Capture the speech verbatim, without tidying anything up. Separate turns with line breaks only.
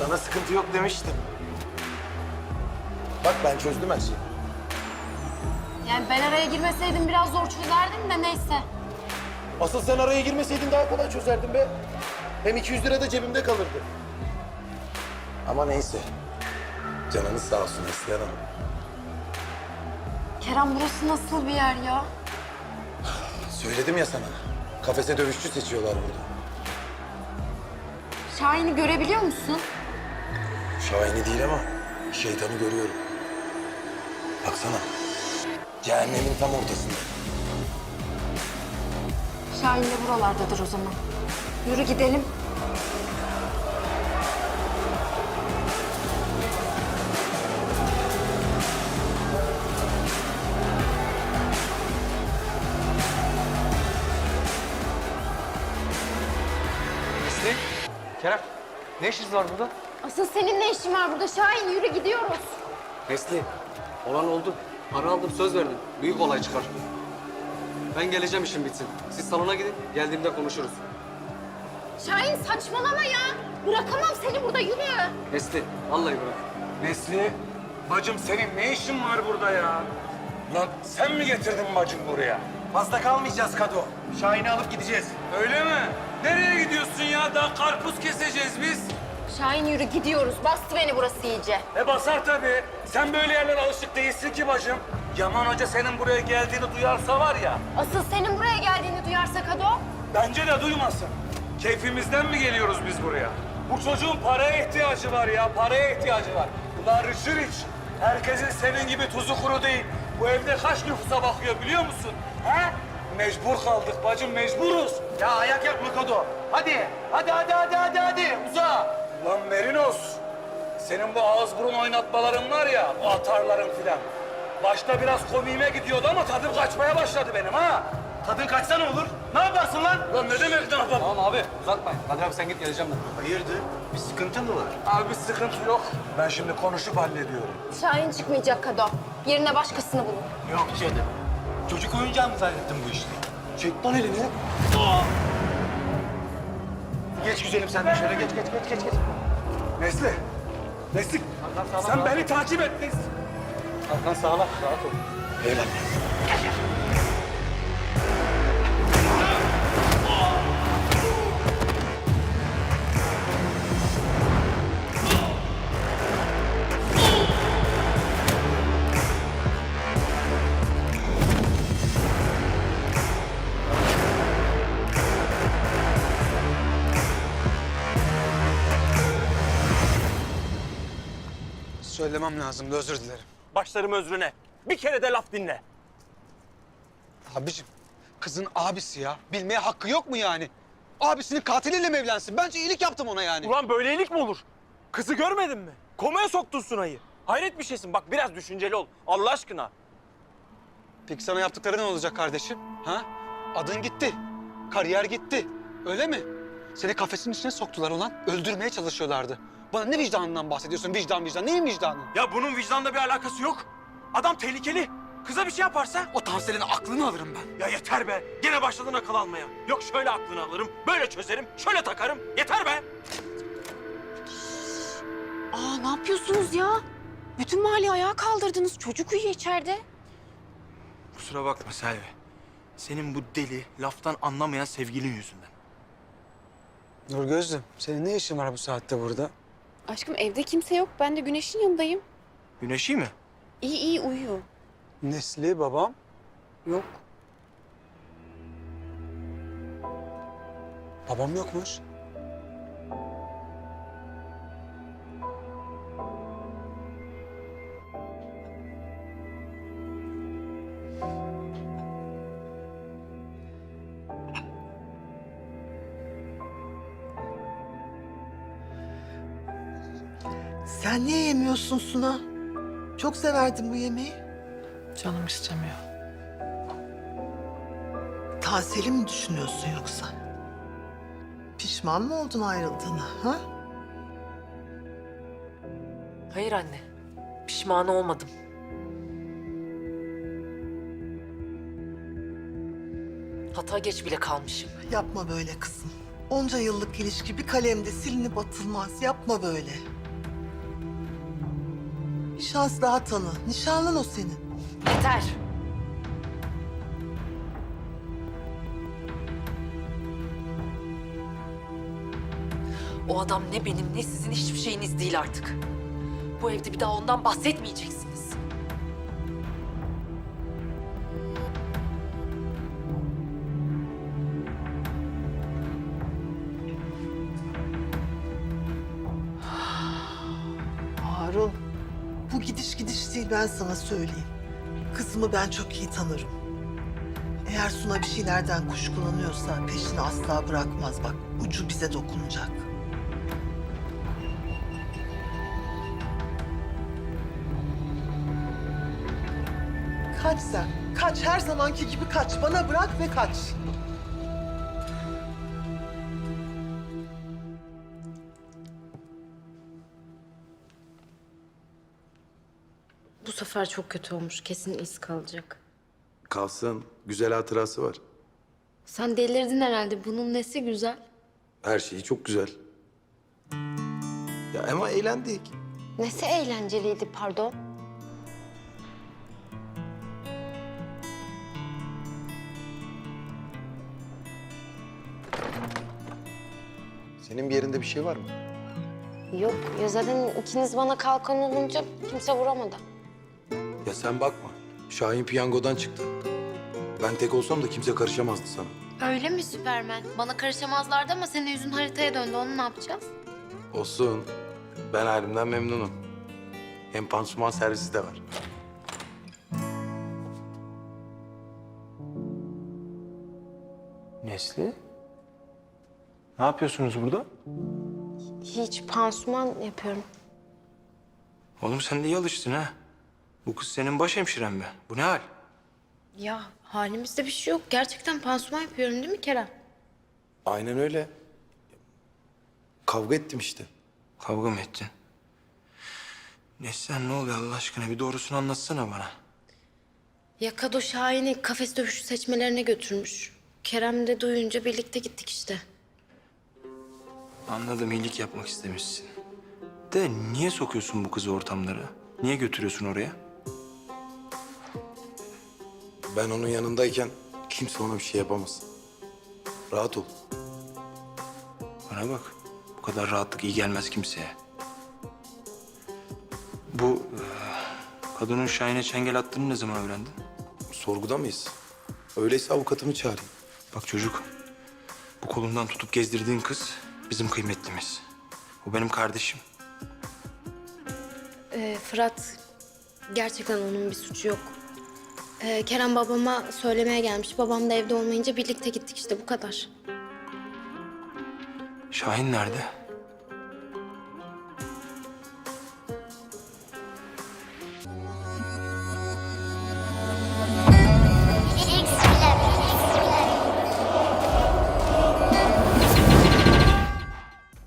Sana sıkıntı yok demiştim. Bak ben çözdüm her şeyi.
Yani ben araya girmeseydim biraz zor çözerdim de neyse.
Asıl sen araya girmeseydin daha kolay çözerdin be. Hem iki yüz lira da cebimde kalırdı. Ama neyse. Canınız sağ olsun Neslihan Hanım.
Kerem burası nasıl bir yer ya?
Söyledim ya sana. Kafese dövüşçü seçiyorlar burada.
Şahin'i görebiliyor musun?
Şahini değil ama şeytanı görüyorum. Baksana. Cehennemin tam ortasında.
Şahin de buralardadır o zaman. Yürü gidelim.
Nesli, Kerem, ne işiniz var burada?
Asıl senin ne işin var burada Şahin? Yürü gidiyoruz.
Nesli, olan oldu. Para aldım, söz verdim. Büyük olay çıkar. Ben geleceğim, işim bitsin. Siz salona gidin, geldiğimde konuşuruz.
Şahin saçmalama ya. Bırakamam seni burada, yürü.
Nesli, vallahi bırak.
Nesli, bacım senin ne işin var burada ya? Lan sen mi getirdin bacım buraya?
Fazla kalmayacağız Kado. Şahin'i alıp gideceğiz.
Öyle mi? Nereye gidiyorsun ya? Daha karpuz keseceğiz biz.
Şahin yürü gidiyoruz. Bastı beni burası iyice.
E basar tabii. Sen böyle yerlere alışık değilsin ki bacım. Yaman Hoca senin buraya geldiğini duyarsa var ya,
Asıl senin buraya geldiğini duyarsa Kado.
bence de duymasın. Keyfimizden mi geliyoruz biz buraya? Bu çocuğun paraya ihtiyacı var ya, paraya ihtiyacı var. Ulan Richard Rich, herkesin senin gibi tuzu kuru değil. Bu evde kaç nüfusa bakıyor biliyor musun? He? Mecbur kaldık bacım, mecburuz.
Ya ayak yapma Kado. Hadi. Hadi hadi hadi hadi hadi. Uza.
Lan Merinos, senin bu ağız burun oynatmaların var ya, o atarların filan. Başta biraz komiğime gidiyordu ama tadım kaçmaya başladı benim ha.
Tadın kaçsa ne olur? Ne yaparsın lan?
Lan ne demek ne yapalım?
Tamam abi, uzatmayın. Hadi abi sen git, geleceğim ben.
Hayırdır? Bir sıkıntı mı var?
Abi sıkıntı yok. Ben şimdi konuşup hallediyorum.
Şahin çıkmayacak Kado. Yerine başkasını bulun.
Yok canım. Çocuk oyuncağı mı zannettin bu işte? Çek lan elini. Geç güzelim sen de şöyle geç geç geç geç. geç.
Nesli, Nesli, sen beni takip et Nesli.
Hakan sağla, rahat ol.
Eyvallah.
Söylemem lazımdı, özür dilerim.
Başlarım özrüne. Bir kere de laf dinle.
Abicim, kızın abisi ya. Bilmeye hakkı yok mu yani? Abisinin katiliyle mi evlensin? Bence iyilik yaptım ona yani.
Ulan böylelik mi olur? Kızı görmedin mi? Komaya soktun Sunay'ı. Hayret bir şeysin. Bak biraz düşünceli ol. Allah aşkına.
Peki sana yaptıkları ne olacak kardeşim? Ha? Adın gitti, kariyer gitti. Öyle mi? Seni kafesin içine soktular ulan. Öldürmeye çalışıyorlardı. Bana ne vicdanından bahsediyorsun? Vicdan vicdan. Neyin vicdanı?
Ya bunun vicdanla bir alakası yok. Adam tehlikeli. Kıza bir şey yaparsa...
O Tansel'in aklını alırım ben.
Ya yeter be. Gene başladın akıl almaya. Yok şöyle aklını alırım, böyle çözerim, şöyle takarım. Yeter be.
Aa ne yapıyorsunuz ya? Bütün mahalleyi ayağa kaldırdınız. Çocuk uyuyor içeride.
Kusura bakma Selvi. Senin bu deli, laftan anlamayan sevgilin yüzünden.
Nurgözlüm, senin ne işin var bu saatte burada?
Aşkım evde kimse yok. Ben de Güneş'in yanındayım.
Güneşi mi?
İyi iyi uyuyor.
Nesli, babam.
Yok.
Babam yokmuş.
Sen niye yemiyorsun Suna? Çok severdim bu yemeği.
Canım istemiyor.
Tansel'i mi düşünüyorsun yoksa? Pişman mı oldun ayrıldığına, ha?
Hayır anne. Pişman olmadım. Hata geç bile kalmışım.
Yapma böyle kızım. Onca yıllık ilişki bir kalemde silinip atılmaz. Yapma böyle. Bir şans daha tanı. Nişanlın o senin.
Yeter. O adam ne benim ne sizin hiçbir şeyiniz değil artık. Bu evde bir daha ondan bahsetmeyeceksiniz.
Harun, bu gidiş gidiş değil, ben sana söyleyeyim. Kızımı ben çok iyi tanırım. Eğer Suna bir şeylerden kuşkulanıyorsa peşini asla bırakmaz. Bak, ucu bize dokunacak. Kaç sen, kaç. Her zamanki gibi kaç. Bana bırak ve kaç.
Bu sefer çok kötü olmuş. Kesin iz kalacak.
Kalsın. Güzel hatırası var.
Sen delirdin herhalde. Bunun nesi güzel?
Her şeyi çok güzel. Ya ama eğlendik.
Nesi eğlenceliydi pardon?
Senin bir yerinde bir şey var mı?
Yok ya zaten ikiniz bana kalkan olunca kimse vuramadı.
Ya sen bakma. Şahin piyangodan çıktı. Ben tek olsam da kimse karışamazdı sana.
Öyle mi Süpermen? Bana karışamazlardı ama senin yüzün haritaya döndü. Onu ne yapacağız?
Olsun. Ben halimden memnunum. Hem pansuman servisi de var.
Nesli? Ne yapıyorsunuz burada?
Hiç pansuman yapıyorum.
Oğlum sen de iyi alıştın ha. Bu kız senin baş hemşiren mi? Bu ne hal?
Ya halimizde bir şey yok. Gerçekten pansuman yapıyorum değil mi Kerem?
Aynen öyle. Kavga ettim işte.
Kavga mı ettin? Neslihan ne oluyor Allah aşkına? Bir doğrusunu anlatsana bana.
Ya Kado Şahin'i kafes dövüşü seçmelerine götürmüş. Kerem de duyunca birlikte gittik işte.
Anladım, iyilik yapmak istemişsin. De niye sokuyorsun bu kızı ortamlara? Niye götürüyorsun oraya?
Ben onun yanındayken kimse ona bir şey yapamaz. Rahat ol.
Bana bak, bu kadar rahatlık iyi gelmez kimseye. Bu e, kadının Şahin'e çengel attığını ne zaman öğrendin?
Sorguda mıyız? Öyleyse avukatımı çağırayım.
Bak çocuk, bu kolundan tutup gezdirdiğin kız bizim kıymetlimiz. O benim kardeşim.
Ee, Fırat, gerçekten onun bir suçu yok. Ee, Kerem babama söylemeye gelmiş. Babam da evde olmayınca birlikte gittik işte bu kadar.
Şahin nerede?